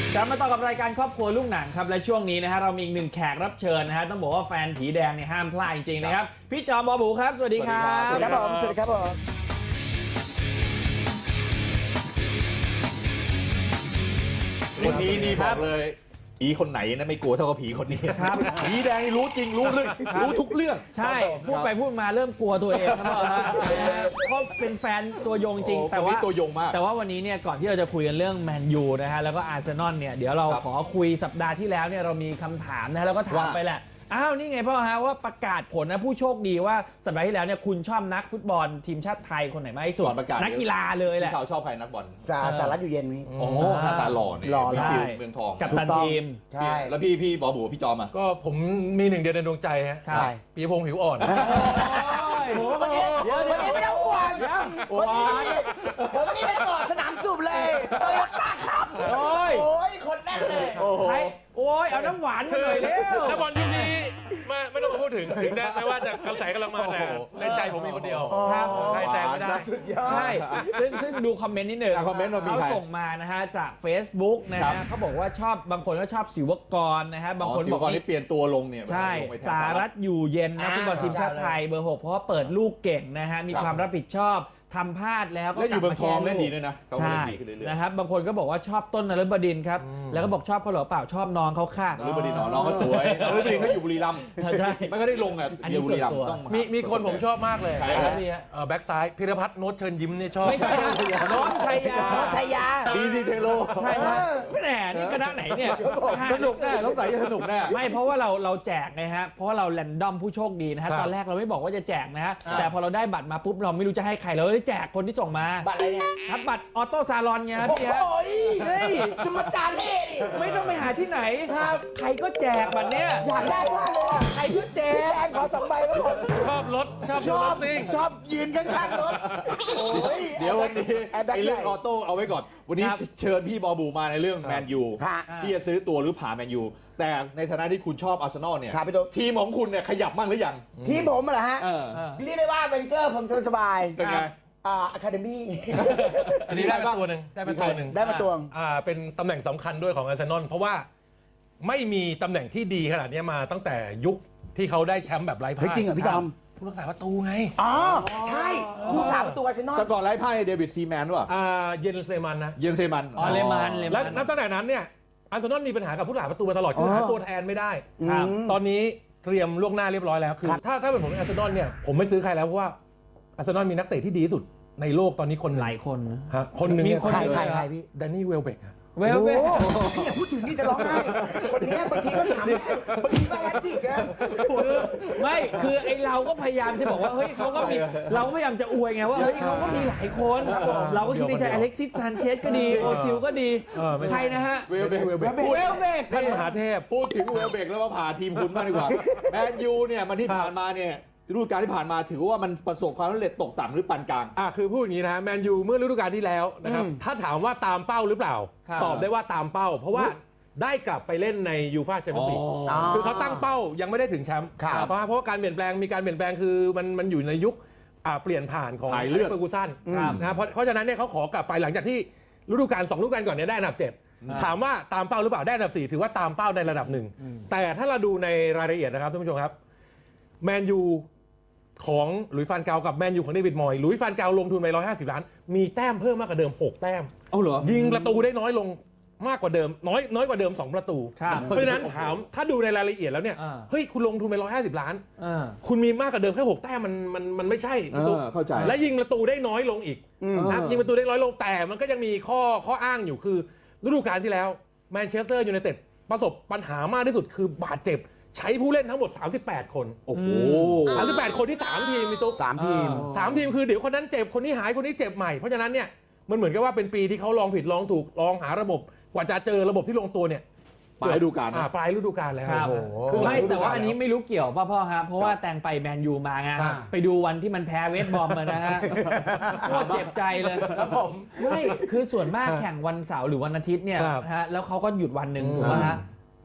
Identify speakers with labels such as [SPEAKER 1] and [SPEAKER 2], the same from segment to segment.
[SPEAKER 1] กลับมาต่อกับรายการครอบครัวลูกหนังครับและช่วงนี้นะฮะเรามีอีกหนึ่งแขกรับเชิญนะฮะต้องบอกว่าแฟนผีแดงเนี่ยห้ามพลาดจริงๆนะครับพี่จอมบอบูครับสวัสดีครับ
[SPEAKER 2] สวัสดีครับผมสวัสดีครับผม
[SPEAKER 3] คนนี้นี่บอกเลยผีคนไหนนะไม่กลัวเท่ากับผีคนนี้ครับผีแดงนี่รู้จริงรู้เรื่องรู้ทุกเรื่อง
[SPEAKER 1] ใช่พูดไปพูดมาเริ่มกลัวตัวเองครับพ่อฮะเพราะเป็นแฟนตัวยงจริงแต่ว่า
[SPEAKER 3] ตัวยงมาก
[SPEAKER 1] แต่ว่าวันนี้เนี่ยก่อนที่เราจะคุยกันเรื่องแมนยูนะฮะแล้วก็อาร์เซนอลเนี่ยเดี๋ยวเราขอคุยสัปดาห์ที่แล้วเนี่ยเรามีคำถามนะฮะแล้วก็ถามไปแหละอ้าวนี่ไงพ่อฮะว่าประกาศผลนะผู้โชคดีว่าสัปดาห์ที่แล้วเนี่ยคุณชอบนักฟุตบอลทีมชาติไทยคนไหนมากที่สุดนักกีฬาเลยแหละ
[SPEAKER 3] เขาชอบใครนักบอล
[SPEAKER 2] สารัตอยู่เย็นนี้
[SPEAKER 3] โอ้หน้าตาหล่อเนี่ยฟิวเมืองทอง
[SPEAKER 1] กับตันทีม
[SPEAKER 2] ใช่
[SPEAKER 3] แล้วพี่บอบูพี่จอมอ่ะ
[SPEAKER 4] ก็ผมมีหนึ่งเดียวในดวงใจฮะปีพงษ์ผิวอ่อน
[SPEAKER 2] โอ้โหเดี๋ยวไม่ต้องห่วงคนนี้ไปก่อนสนามสูบเลยโตโยต้าครับโอ้ยคนแน่นเลย
[SPEAKER 1] โอ้ยเอาน้ำหวานมาหน่อยเร็ว
[SPEAKER 4] ถ้าบอลยุคนี้ไม่ต้องมาพูดถึงได้ไม่ว่าจะกระแสกำลังมาแต่ในใจผมมีคนเดียวใครแซงไม่ได้
[SPEAKER 1] ใช่ซึ่งดูคอมเมนต์นิดหนึ่งเขาส่งมานะฮะจาก Facebook นะฮะเขาบอกว่าชอบบางคนก็ชอบศิวกรนะฮะบางคนบอก
[SPEAKER 3] ว่าเปลี่ยนตัวลงเนี่ย
[SPEAKER 1] ใช่สารัตอยู่เย็นนะฟุตบอลทีมชาติไทยเบอร์ 6เพราะว่าเปิดลูกเก่งนะฮะมีความรับผิดชอบทำพลาดแล้วก็
[SPEAKER 3] อยู่เมืองทองเล่นดีด้วยนะ
[SPEAKER 1] ใช่นะครับบางคนก็บอกว่าชอบต้นนฤบดินทร์ครับแล้วก็บอกชอบเขาหรือเปล่าชอบน้องเขาค่ะ
[SPEAKER 3] นฤบดินทร์น้องเขาสวยนฤบดินทร์เขาอยู่บุรีรัมย์
[SPEAKER 1] ใช่
[SPEAKER 3] ไม่ก็ได้ลงอ่ะ
[SPEAKER 1] อันนี้ส่วนตัว
[SPEAKER 4] มีคนผมชอบมากเลยแบ็กซ้ายพิรพัฒน์โน้ตเชิญยิ้มเนี่ยชอบ
[SPEAKER 1] ไม่ใช่โน้ตชัยยา
[SPEAKER 3] ดีซีเทโล
[SPEAKER 1] ใช่ครับแหมนี่คณะไหนเนี่ย
[SPEAKER 3] สนุกแน่ต้องใส่สนุกแน่
[SPEAKER 1] ไม่เพราะว่าเราแจกไงฮะเพราะว่าเราแรนดอมผู้โชคดีนะฮะตอนแรกเราไม่บอกว่าจะแจกนะฮะแต่พอเราได้บัตรมาปุ๊บเราไม่รู้จะให้ใครเราได้แจกคนที่ส่งมา
[SPEAKER 2] บัตรอะไรเนี่ย
[SPEAKER 1] ครับบัตรออโต้ซาลอนไงพี่ฮะ
[SPEAKER 2] เฮ้ยสมจารเล่
[SPEAKER 1] ไม่ต้องไปหาที่ไหนใครก็แจกบัตรเนี้ย
[SPEAKER 2] อยากได้มากเลย
[SPEAKER 1] ใครก็แจก
[SPEAKER 2] ขอ2 ใบครับผม
[SPEAKER 4] ชอบรถชอบ
[SPEAKER 2] ยืนข้างๆรถ
[SPEAKER 3] เดี๋ยววันนี้เรื่องออโต้เอาไว้ก่อนวันนี้เชิญพี่บอบูมาในเรื่องแมนยูที่จะซื้อตัวหรือผ่าแมนยูแต่ในฐานะที่คุณชอบอาร์เซนอลเนี่ยทีมของคุณเนี่ยขยับมั่งหรือยัง
[SPEAKER 2] ทีมผมเหรอฮะเรียกได้ว่าเวนเกอร์ผมสบาย
[SPEAKER 3] เป็นไง
[SPEAKER 2] อะคาเดมี่
[SPEAKER 4] อันนี้ได้มาตัวหนึ่งเป็นตำแหน่งสำคัญด้วยของอาร์เซนอลเพราะว่าไม่มีตำแหน่งที่ดีขนาดนี้มาตั้งแต่ยุคที่เขาได้แชมป์แบบไร้พ่าย
[SPEAKER 2] จริงเหรอพี่จอม
[SPEAKER 4] ผู้รักษาประตูไง
[SPEAKER 2] อ๋อใช่ผู้สาประตูอาร์เซนอล
[SPEAKER 3] แต่ก่อนไร้พ่ายเดวิดซีแมนว่ะ
[SPEAKER 4] เยนเซมันนะ
[SPEAKER 3] เยนเซมัน
[SPEAKER 1] เลมัน
[SPEAKER 4] แล้วนับตั้งแต่นั้นเนี่ยอาร์เซนอลมีปัญหากับผู้รักษาประตูมาตลอดคือหาตัวแทนไม่ได้ตอนนี้เตรียมล่วงหน้าเรียบร้อยแล้วคือถ้าเป็นผมอาร์เซนอลเนี่ยผมไม่ซื้อใครแล้วเพราะว่าอาร์เซนอลมีนักเตะที่ดีที่สุดในโลกตอนนี้คน
[SPEAKER 1] หลายคนนะ
[SPEAKER 4] คนหนึ่ง
[SPEAKER 2] ใครพี่
[SPEAKER 4] แดนนี่เวลเบก
[SPEAKER 2] พี่อย่าพูดถึงนี่จะร้องไห้คนนี้บางทีก็ถามบางทีก็แอคทีฟนะ
[SPEAKER 1] ไม่คือไอเราก็พยายามจะบอกว่าเฮ้ยเขาก็มีเราก็พยายามจะอวยไงว่าเฮ้ยเขาก็มีหลายคนเราก็คิดในใจอเล็กซิสซานเชสก็ดีโอซิลก็ดีใครนะฮะ
[SPEAKER 3] เวลเบก
[SPEAKER 4] ท่านมหาเทพ
[SPEAKER 3] พูดถึงเวลเบกแล้วมาผ่าทีมคุณบ้างดีกว่าแมนยูเนี่ยมันที่ผ่านมาเนี่ยฤดูกาลที่ผ่านมาถือว่ามันประสบความสำเร็จตกต่ำหรือปานกลาง
[SPEAKER 4] คือพูดอย่างนี้นะแมนยูเมื่อฤดูกาลที่แล้วนะครับถ้าถามว่าตามเป้าหรือเปล่าตอบได้ว่าตามเป้าเพราะว่าได้กลับไปเล่นในยูฟ่าแชมเปี้ยนส์ลีกคือเขาตั้งเป้ายังไม่ได้ถึงแชมป์เพราะว่าการเปลี่ยนแปลงมีการเปลี่ยนแปลงคือมันอยู่ในยุคเปลี่ยนผ่านของเฟอร์กูสันนะเพราะฉะนั้นเนี่ยเขาขอกลับไปหลังจากที่ฤดูกาล2ฤดูกาลก่อนเนี่ยได้อันดับ7ถามว่าตามเป้าหรือเปล่าได้อันดับ4ถือว่าตามเป้าในระดับหนึ่งแต่ถ้าเราดูในรายละเอียดนะครับท่านผู้ชมครับแมนยูของหลุยส์ฟานกาลกับแมนยูของเดวิดมอยส์หลุยส์ฟานกาลลงทุนไป150 ล้านมีแต้มเพิ่มมากกว่าเดิม6 แต้ม
[SPEAKER 3] เหรอ
[SPEAKER 4] ยิงประตูได้น้อยลงมากกว่าเดิมน้อยกว่าเดิม2 ประตูเพราะฉะนั้นถามถ้าดูในรายละเอียดแล้วเนี่ยเฮ้ยคุณลงทุนไป150 ล้านคุณมีมากกว่าเดิมแค่6 แต้มมันไม่ใช่
[SPEAKER 3] เข้าใจ
[SPEAKER 4] และยิงประตูได้น้อยลงอีกนะยิงประตูได้น้อยลงแต่มันก็ยังมีข้ออ้างอยู่คือฤดูกาลที่แล้วแมนเชสเตอร์ยูไนเต็ดประสบปัญหามากที่สุดคือบาดเจ็บใช้ผู้เล่นทั้งหมด38 คน
[SPEAKER 3] โอ้โห
[SPEAKER 4] 38 คนที่3 ทีมมีตุ๊ก3 ทีมคือเดี๋ยวคนนั้นเจ็บคนนี้หายคนนี้เจ็บใหม่เพราะฉะนั้นเนี่ยมันเหมือนกับว่าเป็นปีที่เขาลองผิดลองถูกลองหาระบบกว่าจะเจอระบบที่ลงตัวเนี่ย
[SPEAKER 3] ปลายฤดูกาล
[SPEAKER 4] ปลายฤดูกาลแล้ว
[SPEAKER 1] ไม่แต่ว่าอันนี้ไม่รู้เกี่ยวป่ะพ่อฮะเพราะว่าแตงไปแมนยูมาไงไปดูวันที่มันแพ้เวสต์บอมมานะฮะโคตรเจ็บใจเลยครับผมไม่คือส่วนมากแข่งวันเสาร์หรือวันอาทิตย์เนี่ยนะฮะแล้วเขาก็หยุดวันหนึ่งถูกไหมฮะ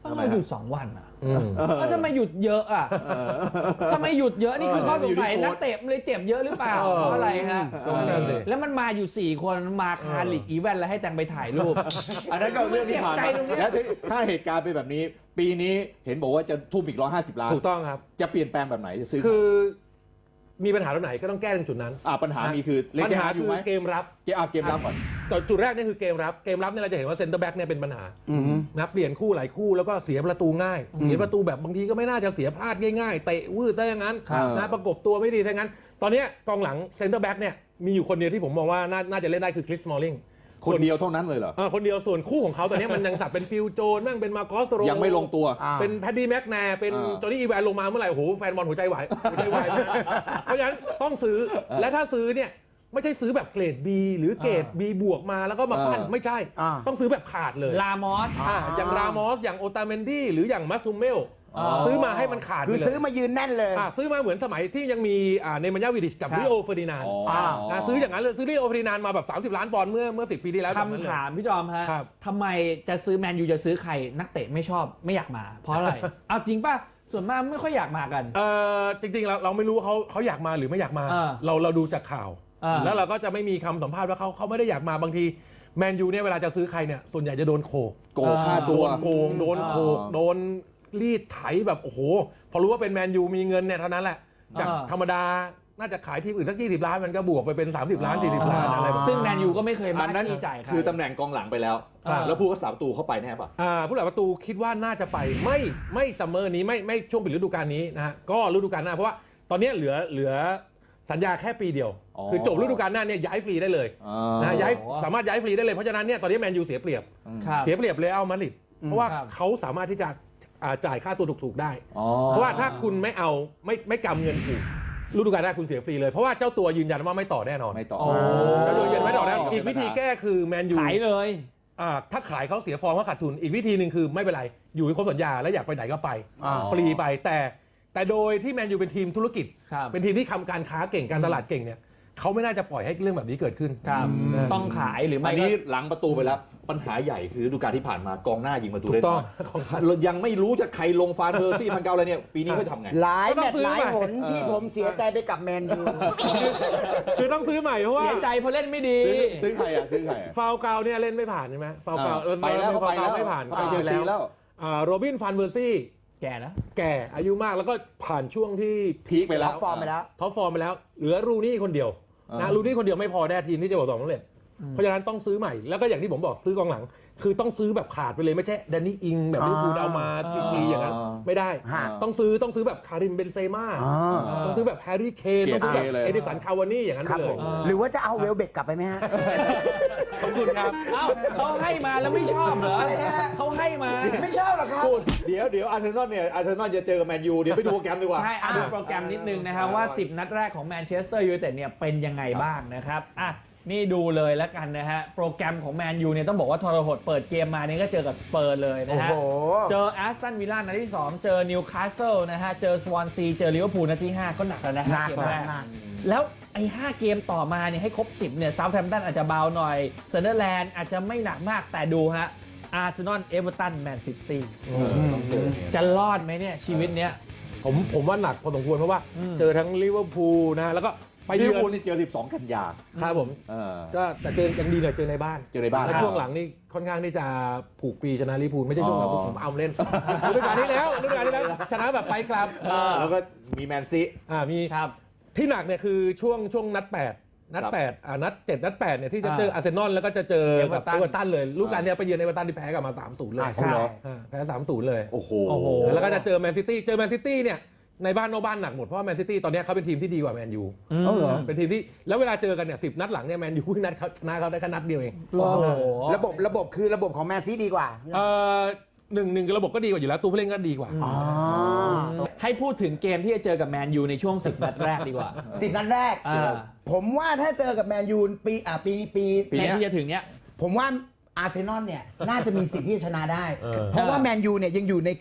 [SPEAKER 1] ทำไมหยุด2 วันอ่ะแล้วทำไมหยุดเยอะอ่ะทำไมหยุดเยอะนี่คือข้อสงสัยนักเตะเลยเจ็บเยอะหรือเปล่าเพราะอะไรฮะแล้วมันมาอยู่4 คนมาคาลิกอีเวนต์แล้วให้แตงไปถ่ายรูป
[SPEAKER 3] อันนั้นก็เรื่องที่ผ่านมาแล้วถ้าเหตุการณ์เป็นแบบนี้ ปีนี้เห็นบอกว่าจะทุ่มอีก150 ล้าน
[SPEAKER 4] ถูกต้องครับ
[SPEAKER 3] จะเปลี่ยนแปลงแบบไหนจะซื้อ
[SPEAKER 4] คือมีปัญหาตรงไหนก็ต้องแก้ตรงจุดนั้น
[SPEAKER 3] ปัญหามีคือ
[SPEAKER 4] ปัญหาคือเกมรับ
[SPEAKER 3] เกมรับก่อน
[SPEAKER 4] แต่จุดแรกนี่คือเกมรับเนี่ยเราจะเห็นว่าเซนเตอร์แบ็กเนี่ยเป็นปัญหานะเปลี่ยนคู่หลายคู่แล้วก็เสียประตูง่ายเสียประตูแบบบางทีก็ไม่น่าจะเสียพลาดง่ายๆเตะวืดได้อย่างนั้นนะประกบตัวไม่ดีทั้งนั้นตอนนี้กองหลังเซนเตอร์แบ็กเนี่ยมีอยู่คนเดียวที่ผมมองว่าน่าจะเล่นได้คือคริส สมอลลิง
[SPEAKER 3] คนเดียวเท่านั้นเลยเหรอ
[SPEAKER 4] คนเดียวส่วนคู่ของเขาตอนนี้มันยังสับเป็นฟิลโจนมั่งเป็นมาโกสโร
[SPEAKER 3] ยังไม่ลงตัว
[SPEAKER 4] เป็นแพดดี้แม็กแนร์เป็นจอห์นนี่อีแวนลงมาเมื่อไหร่โอ้โหแฟนบอลหัวใจวายเพราะฉะนั้นต้องซื้อและถ้าซื้อเนี่ยไม่ใช่ซื้อแบบเกรด B หรือเกรด B บวกมาแล้วก็มาปั้นไม่ใช่ต้องซื้อแบบขาดเลย
[SPEAKER 1] ลามอส
[SPEAKER 4] อย่างรามอสอย่างโอตาเมนดี้หรืออย่างมัสซูเมลซื้อมาให้มันขาด
[SPEAKER 2] คือซื้อมายืนแน่นเลย
[SPEAKER 4] ซื้อมาเหมือนสมัยที่ยังมีเนมันยาวิดิชกับริโอเฟอร์ดินานซื้ออย่างนั้นเลยซื้อริโอเฟอร์ดินานมาแบบ30 ล้านปอนด์เมื่อ10 ปีที่แล้ว
[SPEAKER 1] คำถามพี่จอมฮะทำไมจะซื้อแมนยูจะซื้อใครนักเตะไม่ชอบไม่อยากมาเพราะอะไรเอาจริงป่ะส่วนมากไม่ค่อยอยากมากัน
[SPEAKER 4] จริงๆเราไม่รู้ว่าเขาอยากมาหรือไม่อยากมาเราดูจากข่าวแล้วเราก็จะไม่มีคำสัมภาษณ์ว่าเขาไม่ได้อยากมาบางทีแมนยูเนี่ยเวลาจะซื้อใครเนี่ยส่วนใหญ่จะโดนโกง
[SPEAKER 3] ค่าตัว
[SPEAKER 4] โกงโดนโขกโดนรีดไถแบบโอ้โหพอรู้ว่าเป็นแมนยูมีเงินเนี่ยเท่านั้นแหละจากธรรมดาน่าจะขายทีมอื่นสัก20 ล้านมันก็บวกไปเป็น30 ล้าน40 ล้านอะไร
[SPEAKER 1] ซึ่งแมนยูก็ไม่เคยมา
[SPEAKER 3] ที่จ่ายคือตำแหน่งกองหลังไปแล้วแล้วผู้รักษาประตูเข้าไปแน่ป่ะ
[SPEAKER 4] ผู้รักษาประตูคิดว่าน่าจะไปไม่ซัมเมอร์นี้ไม่ช่วงปิดฤดูกาลนี้นะฮะก็ฤดูกาลหน้าเพราะว่าตอนนี้เหลือสัญญาแค่ปีเดียวคือจบฤดูกาลหน้าเนี่ยย้ายฟรีได้เลยนะสามารถย้ายฟรีได้เลยเพราะฉะนั้นเนี่ยตอนนี้แมนยูเสียเปรียบเลยเอามาดริดเพราะว่าเขาสามารถที่จะจ่ายค่าตัวถูกๆได้เพราะว่าถ้าคุณไม่เอาไม่กำเงินถูกฤดูกาลหน้าคุณเสียฟรีเลยเพราะว่าเจ้าตัวยืนยันว่าไม่ต่อแน่นอน
[SPEAKER 3] ไม่ต่อ
[SPEAKER 4] เจ้าตัวยืนยันไม่ต่อแน่อีกวิธีแก้คือแมนยู
[SPEAKER 1] ขายเลย
[SPEAKER 4] ถ้าขายเขาเสียฟอร์มเขาขาดทุนอีกวิธีหนึ่งคือไม่เป็นไรอยู่ให้ครบสัญญาแล้วอยากไปไหนก็ไปฟรีไปแต่โดยที่แมนยูเป็นทีมธุรกิจเป็นทีมที่ทำการค้าเก่งการตลาดเก่งเนี่ยเขาไม่น่าจะปล่อยให้เรื่องแบบนี้เกิดขึ้น
[SPEAKER 1] ต้องขายหรือไม่
[SPEAKER 3] อันนี้หลังประตูไปแล้วปัญหาใหญ่คือฤดูกาลที่ผ่านมากองหน้ายิงประตูได้น้อยยังไม่รู้จะใครลงฟานเบอร์ซี่มันเกาอะไรเนี่ยปีนี้เขาทำไง
[SPEAKER 2] หลายแมตช์หลายหนที่ผมเสียใจไปกับแมนยู
[SPEAKER 4] คือต้องซื้อใหม่เพราะว่า
[SPEAKER 1] เสียใจเพราะเล่นไม่ดี
[SPEAKER 3] ซื้อใคร
[SPEAKER 4] ฟาวเกาเนี่ยเล่นไม่ผ่านใช่ไหมฟาวเกา
[SPEAKER 3] ไปแล้ว
[SPEAKER 4] ไม่ผ่าน
[SPEAKER 3] ไปเจอซีแล้ว
[SPEAKER 4] โรบินฟานเบอร์ซี่
[SPEAKER 1] แก่นะ
[SPEAKER 4] แก่อายุมากแล้วก็ผ่านช่วงที่
[SPEAKER 3] พีคไปแล้ว
[SPEAKER 2] ท็อปฟอร์มไป
[SPEAKER 4] แล้วเหลือรูนี่คนเดียวนะรูนี่คนเดียวไม่พอแน่ทีมที่จะบอกสองสำเร็จเพราะฉะนั้นต้องซื้อใหม่แล้วก็อย่างที่ผมบอกซื้อกองหลังคือต้องซื้อแบบขาดไปเลยไม่ใช่แดนนี่อิงแบบลิเวอร์พูลเอามาฟรีอย่างนั้นไม่ได้ต้องซื้อแบบคาริมเบนเซม่าต้องซื้อแบบแฮร์รี่เคนต้องซื้อแบบเอดิสันคาวานี่อย่างนั้นไปเลย
[SPEAKER 2] หรือว่าจะเอาเวลเบกกลับไปไหมฮะ
[SPEAKER 4] ขอบคุณครับ
[SPEAKER 1] เขาให้มาแล้วไม่ชอบเหรอเขาให้มา
[SPEAKER 2] ไม่ชอบหรอครับ
[SPEAKER 3] เดี๋ยวอาร์เซนอลจะเจอกับแมนยูเดี๋ยวไปดูโปรแกรมดีกว่า
[SPEAKER 1] ใช่ดูโปรแกรมนิดนึงนะครับว่า10 นัดแรกของแมนเชสเตอร์ยูไนเต็ดเนี่ยเป็นยังไงบ้างนะครับนี่ดูเลยแล้วกันนะฮะโปรแกรมของแมนยูเนี่ยต้องบอกว่าทรหดเปิดเกมมานี่ก็เจอกับสเปอร์เลยนะฮะเจอแอสตันวิลล่านัดที่2เจอนิวคาสเซิลนะฮะเจอสวอนซีเจอลิเวอร์พูลนัดที่5ก็หนักแล้วนะฮะเกมแรกแล้วไอ้5เกมต่อมาเนี่ยให้ครบ10เนี่ยเซาท์แฮมป์ตันอาจจะเบาหน่อยซันเดอร์แลนด์อาจจะไม่หนักมากแต่ดูฮะอาร์เซนอลเอเวอร์ตันแมนซิตี้จะรอดไหมเนี่ยชีวิตเนี้ย
[SPEAKER 4] ผมว่าหนักพอสมควรเพราะว่าเจอทั้งลิเวอร์พูลนะแล้วก็
[SPEAKER 3] ไปลิเวอร์พูลนี่เจอ12 กันยา
[SPEAKER 4] ครับผมก็แต่เจอยังดีหน่อยเจอในบ้านแล้วช่วงหลังนี่ค่อนข้างที่จะผูกปีชนะลิเวอร์พูลไม่ใช่ช่วงหลังผมเอาเล่นฤดูกาลที่แล้วชนะแบบไปครับ
[SPEAKER 3] แล้วก็มีแมนซี
[SPEAKER 4] มีครับที่หนักเนี่ยคือช่วงนัด8นัด7นัด8เนี่ยที่จะเจออาร์เซนอลแล้วก็จะเจอกับเอเวอร์ตันเลยลูกการเนี่ยไปเยือนเอเวอร์ตันที่แพ้กลับมา 3-0 เลยแพ้ 3-0 เลย
[SPEAKER 3] โอ้โห
[SPEAKER 4] แล้วก็จะเจอแมนซิตี้เนี่ยในบ้านนอกบ้านหนักหมดเพราะว่าแมนซิตี้ตอนนี้เขาเป็นทีมที่ดีกว่าแมนยูเป็นทีมที่แล้วเวลาเจอกันเนี่ย10 นัดหลังเนี่ยแมนยูนัดชนะเขาได้แค่นัดเดียวเอง
[SPEAKER 2] ระบบคือระบบของแมนซีดีกว่า
[SPEAKER 4] หนึ่งระบบก็ดีกว่าอยู่แล้วตัวผู้เล่นก็ดีกว่า
[SPEAKER 1] ให้พูดถึงเกมที่จะเจอกับแมนยูในช่วง10 นัดแรกดีกว่า
[SPEAKER 2] 10 นัดแรกผมว่าถ้าเจอกับแมนยูปี
[SPEAKER 1] ที่จะถึงเนี้ย
[SPEAKER 2] ผมว่าอาร์เซนอลเนี่ยน่าจะมีสิทธิ์ที่จะชนะได้เพราะว่าแมนยูเนี่ยยังอยู่ในการ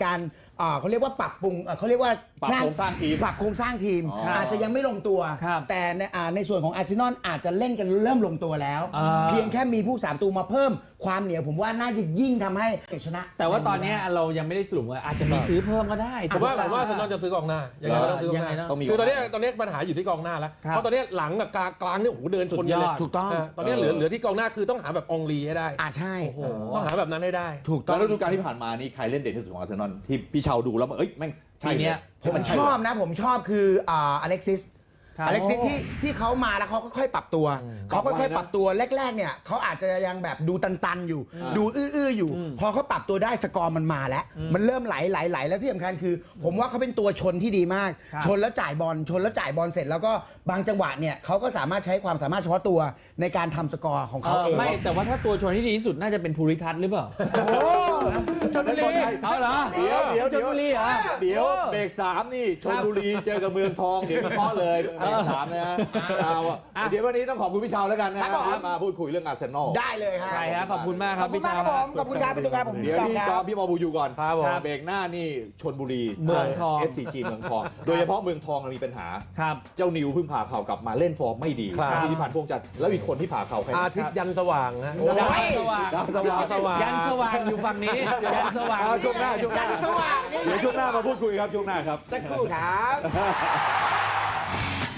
[SPEAKER 2] เขาเรียกว่าปรับปรุงเขาเรียกว่า
[SPEAKER 3] ปรับโครงสร้างทีม
[SPEAKER 2] ปรับโครงสร้างทีม
[SPEAKER 3] อ๋ออ
[SPEAKER 2] อาจจะยังไม่ลงตัว
[SPEAKER 1] ครับ
[SPEAKER 2] แต่ในส่วนของอาร์เซนอลอาจจะเล่นกันเริ่มลงตัวแล้ว
[SPEAKER 1] อ่า
[SPEAKER 2] เพียงแค่มีผู้สามตัวมาเพิ่มความเหนียวผมว่าน่าจะยิ่งทำให้ชนะ
[SPEAKER 1] แต่ว่าตอนเนี้ยเรายังไม่ได้สรุปว่าอาจจะมีซื้อเพิ่มก็ได้
[SPEAKER 4] ผมว่าอาร์เซนอลจะซื้อกองหน้ายังไงก็ต้องซื้อกองห
[SPEAKER 1] ยังไง
[SPEAKER 4] น้า
[SPEAKER 1] นะ
[SPEAKER 3] ต้องมี
[SPEAKER 4] คือตอนนี้ปัญหาอยู่ที่กองหน้าแล้ว
[SPEAKER 1] ครับ
[SPEAKER 4] เพราะตอนนี้หลังกับกลางเนี่ยโอ้โหเดินชนกันเลย
[SPEAKER 1] สุดยอด
[SPEAKER 2] ถูกต้อง
[SPEAKER 4] ตอนนี้เหลือที่กองหน้าคือต้องหาแบบองลีให้ได้
[SPEAKER 2] ใช่
[SPEAKER 4] ต้องหาแบบนั้นให้ได้
[SPEAKER 2] ถูกต้
[SPEAKER 3] แล้
[SPEAKER 2] อ
[SPEAKER 3] ว
[SPEAKER 2] ง
[SPEAKER 3] ฤดูกาลที่ผ่านมานี่ใครเล่นเด่นที่สุดของอาร์เซนอลที่พี่เชาดูแล้วมันแม่งใช่
[SPEAKER 1] ทีเนี้ย
[SPEAKER 3] มันใช่
[SPEAKER 2] ชอบนะผมชอบคืออเล็กซิส
[SPEAKER 1] ครับ
[SPEAKER 2] อเล็กซิสที่เขามาแล้วเขาก็ค่อยปรับตัวเขาค่อยๆปรับตัวแรกๆเนี่ยเขาอาจจะยังแบบดูตันๆอยู่ ดูอื้อๆอยู่ พอเขาปรับตัวได้สกอร์มันมาแล้ว มันเริ่มไหลแล้วที่สำคัญคือ ผมว่าเขาเป็นตัวชนที่ดีมาก
[SPEAKER 1] ครับ
[SPEAKER 2] ชนแล้วจ่ายบอลเสร็จแล้วก็บางจังหวะเนี่ยเขาก็สามารถใช้ความสามารถเฉพาะตัวในการทำสกอร์ของเขาเอง
[SPEAKER 1] ไม่แต่ว่าถ้าตัวชนที่ดีที่สุดน่าจะเป็นภูริทัศน์หรือเปล่าชลบุรีเอาเหรอ
[SPEAKER 3] เดี๋ยว
[SPEAKER 1] ชลบุรีเหรอ
[SPEAKER 3] เดี๋ยวเบรก3นี่ชลบุรีเจอกับเมืองทองเดี๋ยววิเคราะห์เลยเบรก3นะฮะเดี๋ยววันนี้ต้องขอบคุณพี่เชาแล้วกันนะมาพูดคุยเรื่องอาร์เซนอล
[SPEAKER 2] ได้เลยครับ
[SPEAKER 1] ใช่ครับขอบคุณมากครับพี่ชา
[SPEAKER 2] ขอบคุณครับพี่ตุ๊กครับผม
[SPEAKER 3] เดี๋ยวพี่กอล์ฟพี่บอบูอยู่ก่อน
[SPEAKER 4] ครับผม
[SPEAKER 3] เบรกหน้านี่ชลบุรี
[SPEAKER 1] เมืองทอง
[SPEAKER 3] SCG เมืองทอง โดยเฉพาะเมืองทองมีปัญหา
[SPEAKER 1] ครับ
[SPEAKER 3] เจ้านิวเพิ่งผ่าเข่ากลับมาเล่นฟอร์มไม่ดี
[SPEAKER 4] ครับ
[SPEAKER 3] ที่ผ่านพวงจันทร์แล้วอีกคนที่ผ่าเข่าใคร
[SPEAKER 4] อาทิตย์ยันสว่างฮะ
[SPEAKER 1] ยันสว่าง
[SPEAKER 3] ดาวสว่าง
[SPEAKER 1] ยันสว่างอยู่ฝั่งนี้ยันสว่าง
[SPEAKER 3] ช่วงหน้า
[SPEAKER 2] ยันสว่าง
[SPEAKER 3] เดี๋ยวช่วงหน้ามาพูดคุยครับช่วงหน้าครับ
[SPEAKER 2] สักครู่ครับ